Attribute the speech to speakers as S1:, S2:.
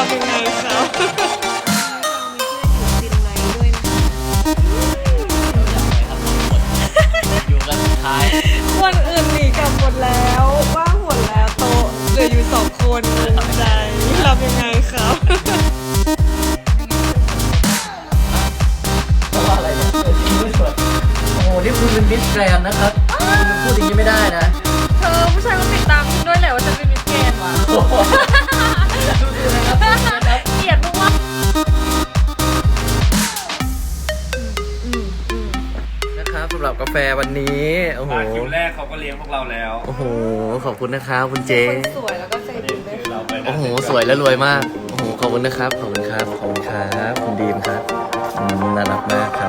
S1: ทำยังไงครับ
S2: อยู่กันสุดท้าย
S1: คนอื่นหนีกลับหมดแล้วว่างหมดแล้วโต๊ะเหลืออยู่2 คนภูมิใจทำยังไงครับ
S2: เพราะว่าอะไรเนี่ยโอ้โหนี่คุณเป็นมิสแกรนด์นะครับคุณพูดอย่างนี้ไม่ได้นะ
S1: เธอผู้ชายก็ติดตามคุณด้วยแหละว่าฉันเป็นมิสแกรนด์ว่ะ
S2: ดูดูนะครับดูนะครับ
S1: เกลียดมาก
S2: นะครับสำหรับกาแฟวันนี้โอ้โห
S3: มาคิวแรกเขาก็เลี้ยงพวกเราแล้ว
S2: โอ้โหขอบคุณนะครับคุณเจ
S1: คนสวยแล้วก็ใจดีด้วย
S3: เราไปนะ
S2: โอ้โหสวยและรวยมากโอ้โหขอบคุณนะครับขอบคุณครับขอบคุณครับคุณดีมครับน่ารักมากครับ